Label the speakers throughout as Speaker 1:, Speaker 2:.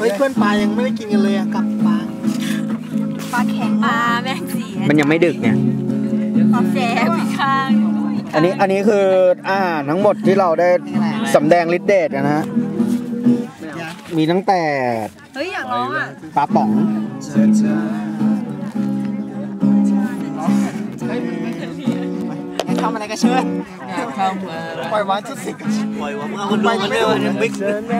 Speaker 1: ฮ้ยเพื่อนปลายังไม่ได้กินกันเลยอะกับปลา
Speaker 2: แข็งปลาแม่งสี
Speaker 3: มันยังไม่ดึกเนี่ย
Speaker 2: ปลาแฝงพี่ข้าง
Speaker 3: อันนี้คืออาหารทั้งหมดที่เราได้สำแดงฤทธิ์เดชกันนะฮะมีตั้งแต่
Speaker 2: เฮ้ยอยากร้องอ่ะ
Speaker 3: ปลาป๋อง
Speaker 1: ทำอะไรก็เชิญปล่อยวางทุกสิ่งปล่อยวางเอาคนดูมันเร็วมันบิ๊ก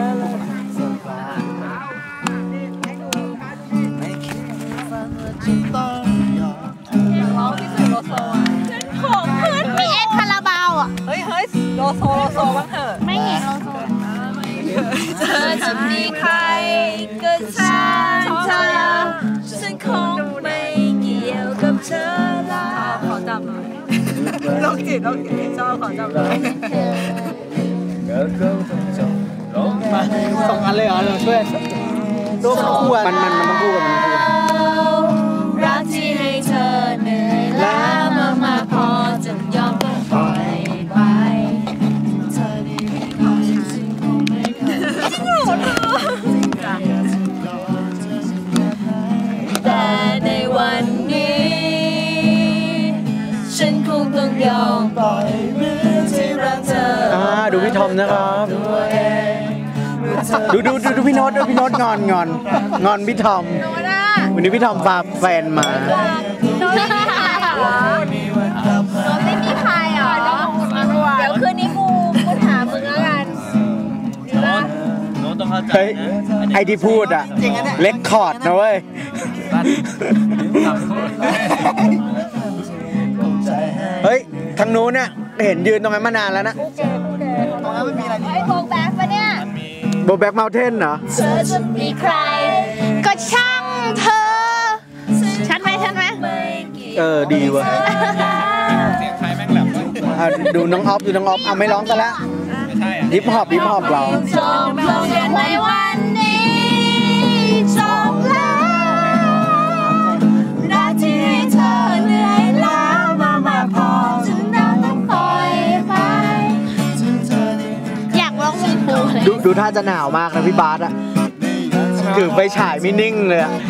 Speaker 2: ร้องที่สุดโลโซอ่ะของเพื่อนมีเอ็กคาราบาวอ่ะเฮ้ยโลโซบ้างเถอะไม่เห็นโลโซเธอจะมีใครก็ช่างเธอฉันคงไม่เกี่ยวกับเธอแล้วขอจับหน่อยโรคจิตชอบขอจับหน่อย
Speaker 1: สองอันเลยเหรอเราช่วยโลกคู่
Speaker 3: มันต้องคู่กัน
Speaker 2: รักที่ให้เธอเหนื่อยล้ามากพอจะยอมต้องปล่อยไปเธอได้มีความฉันคงไม่เคยแต่ในวันนี้ฉันคงต้องยอมปล่อยมือที่รักเธอ
Speaker 3: ดูพี่ทอมนะครับดูพี่โน้ตงอนพี่ทอมวันนี้พี่ทอมพาแฟนมา
Speaker 2: โน้ตไม่มีใครเหรอเดี๋ยวคืนนี้กูถามมึงแล้วกัน
Speaker 3: โน้ตต้องเข้าใจไอที่พูดอะเล็กคอร์ดนะเว้ยเฮ้ยทางนู้นเนี่ยเห็นยืนตรงนั้นมานานแล้วนะ
Speaker 1: ตรงนั้นไม่มีอะไร
Speaker 2: ไอ้โบแบ็กปะเนี่ย
Speaker 3: โบแบ็กเมลเทนเหรอ
Speaker 2: เธอจะมีใครก็ช่างเธอชัดไหม
Speaker 3: ดีว่ะเสียงใครแม่งแหลมดูน้องออฟเอาไม่ร้องกันแล้วฮิปฮอปเรา
Speaker 2: จบลงในวันนี้จบแล้วรักที่ให้เธอเหนื่อยล้ามากพอจนเราต้องปล่อยไปอยากร้องเพลงปูเลย
Speaker 3: ดูท่าจะหนาวมากนะพี่บาสอะถือไปฉายไม่นิ่งเลยอะ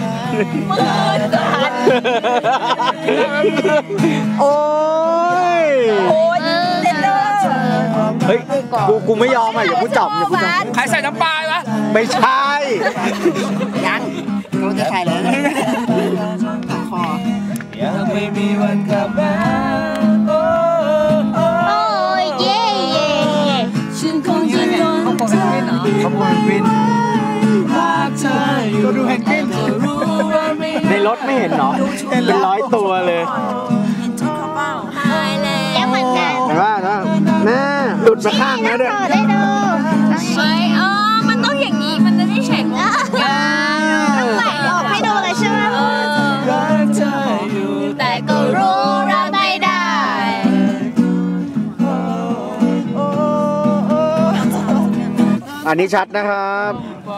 Speaker 3: โอ้ย
Speaker 2: เล่นเลย
Speaker 3: เฮ้ยกูไม่ยอมอ่ะอย่าพูดจับ
Speaker 1: ใครใส่น้ำปลาวะ
Speaker 3: ไม่ใช่
Speaker 1: ยังเราจะใครเลยคอยังไม่มีวันกลับมา
Speaker 2: โอ้ยเย่ฉันคงจะโดนเธอ
Speaker 1: ขบวนบินก็ดูแฮนกิ้ง
Speaker 3: ในรถไม่เห็นเนาะเป็น100 ตัวเลย
Speaker 2: ยังเหมือนกัน
Speaker 3: เห็นว่าแม่หลุดมาข้างนะด้วย
Speaker 2: ได้ดูมันต้องอย่างนี้มันจะได้แฉกต้องไหลออกให้ดูเลยใช่ไหมแต่ก็รู้เราไม่ได้
Speaker 3: อันนี้ชัดนะครับ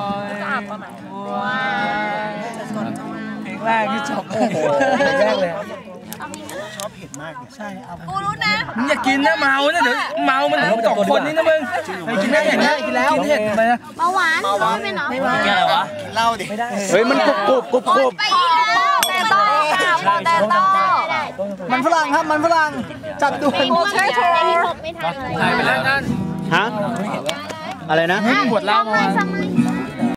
Speaker 1: เพลงแรกที่ชอบเพลงแรกเลยชอบเผ็ดมากใช่
Speaker 2: กูรู้นะ
Speaker 1: มึงอย่ากินนะเมานะเดี๋ยวเมามันถึง2 คนนี่นะมึงกินได้อย่างนี้กินแล้วกินเผ็ดไปนะ
Speaker 2: เบาหวานไม่เนาะ
Speaker 1: กินอะไรวะกินเหล้าดิ
Speaker 3: เฮ้ยมันกรุบ
Speaker 2: ไปอีกแล้วแต่ต้อง
Speaker 1: มันฝรั่งครับมันฝรั่งจัดดู
Speaker 2: โอเคโทรไม่ทันเลย
Speaker 1: หายไปแล้วนั่น
Speaker 3: ฮะอะไรนะ
Speaker 1: ปวดเหล้ามา